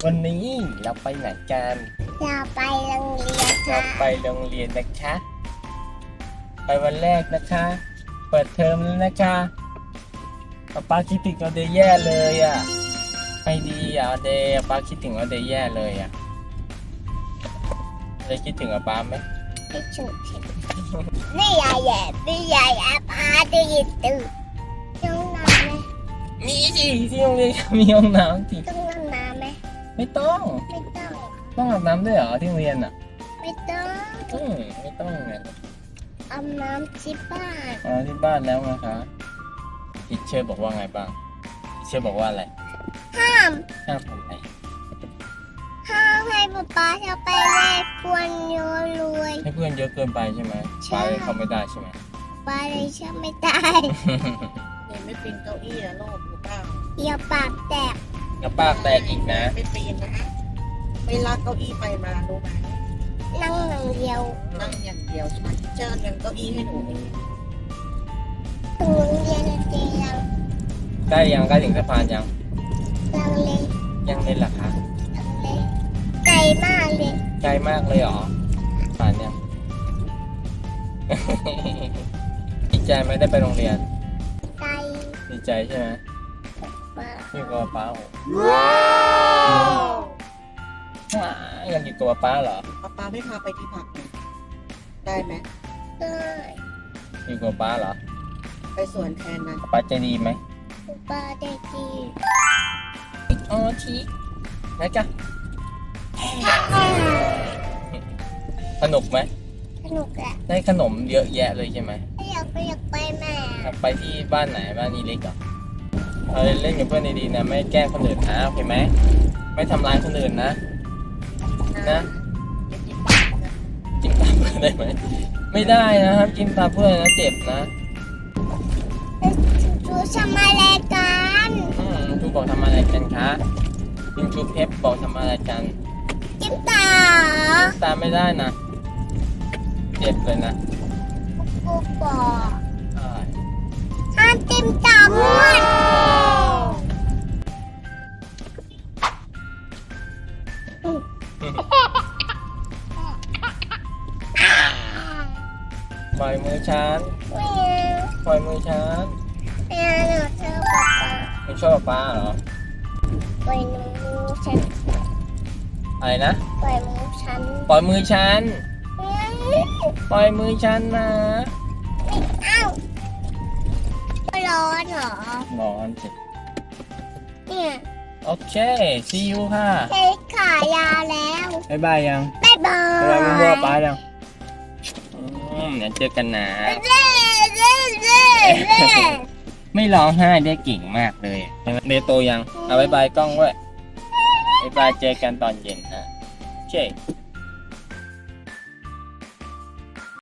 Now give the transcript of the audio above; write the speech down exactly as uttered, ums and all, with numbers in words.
วันนี้เราไปไหนกันเราไปโรงเรียนเราค่ะไปโรงเรียนนะคะไปวันแรกนะคะเปิดเทอมแล้วนะคะป๊าป๊าคิดถึงเราเดย์แย่เลยอ่ะไม่ดีอ่ะเดย์ป๊าคิดถึงเราเดย์แย่เลยอ่ะเดย์คิดถึงป๊าไหมไม่ฉุกนี่ยายแย่นี่ยายอาพาดีตื่นต้องนอนไหมมีสิที่โรงเรียนมีห้องน้ำสิต้องนอนน้ำไหมไม่ต้องไม่ต้องต้องอาบน้ำด้วยเหรอที่โรงเรียนอ่ะไม่ต้องอืมไม่ต้องไงอาบน้ำที่บ้านอ๋อที่บ้านแล้วนะคะทิเชอร์บอกว่าไงบ้างทิเชอร์บอกว่าอะไรห้ามห้ามทำไมห้ามให้ป๊าป๊าจะไปแลกเพื่อนเยอะเลยให้เพื่อนเยอะเกินไปใช่ไหมป้าเลยเขาไม่ได้ใช่ไหมป้าเลยเชื่อไม่ได้เรียนไม่ปีนเก้าอี้นะโลกหรือเปล่าอย่าปากแตกกระปากแตกอีกนะไม่ปีนนะไม่ลากเก้าอี้ไปมารู้ไหมนั่งอย่างเดียวนั่งอย่างเดียวใช่ไหมเชิญยังเก้าอี้ให้หนูเองถึงโรงเรียนจริงยังได้ยังใกล้ถึงสะพานยังลังเลยังเล่นหรอคะลังเลไกลมากเลยไกลมากเลยเหรอผ่านยังดีใจไหมได้ไปโรงเรียนไกลดีใจใช่ไหมอยู่กับป้าว้าวยังอยู่กับป้าเหรอป้าป้าไม่พาไปที่พักได้ไหมได้อยู่กับป้าเหรอไปสวนแทนนะป้าใจดีไหมป้าใจดีอ๋อทีนะจ๊ะสนุกไหมสนุกแหละได้ขนมเยอะแยะเลยใช่ไหมอยากไปอยากไปแม่ไปที่บ้านไหนบ้านอีเล็กเหรอเราเล่นกับเพื่อนดีๆนะไม่แกล้งคนอื่นนะโอเคไหมไม่ทำร้ายคนอื่นนะนะจิ้มตาเพื่อนได้ไหมไม่ได้นะครับจิ้มตาเพื่อนนะเจ็บนะชูทำอะไรกันอืมชูบอกทำอะไรกันคะคุณชูเพชรบอกทำอะไรกันจิ้มตาจิ้มตาไม่ได้นะเจ็บเลยนะกูบอกห้ามจิ้มตาเพื่อนปล่อยมือฉันปล่อยมือฉันไม่เอาหนูชอบป๊าป๊าไม่ชอบป๊าเหรอปล่อยมือฉันอะไรนะปล่อยมือฉันปล่อยมือฉันปล่อยมือฉันนะไม่เอาร้อนเหรอร้อนสิเนี่ยโอเค see you ค่ะเค้กขายาวแล้วบ๊ายบายยังบ๊ายบายบ๊ายบายมึงบอกป้ายังอืมเดี๋ยวเจอกันนะไม่ร้องไห้ได้เก่งมากเลยเดโตยังเอาบ๊ายบายกล้องด้วยบ๊ายบายเจอกันตอนเย็นนะโอเค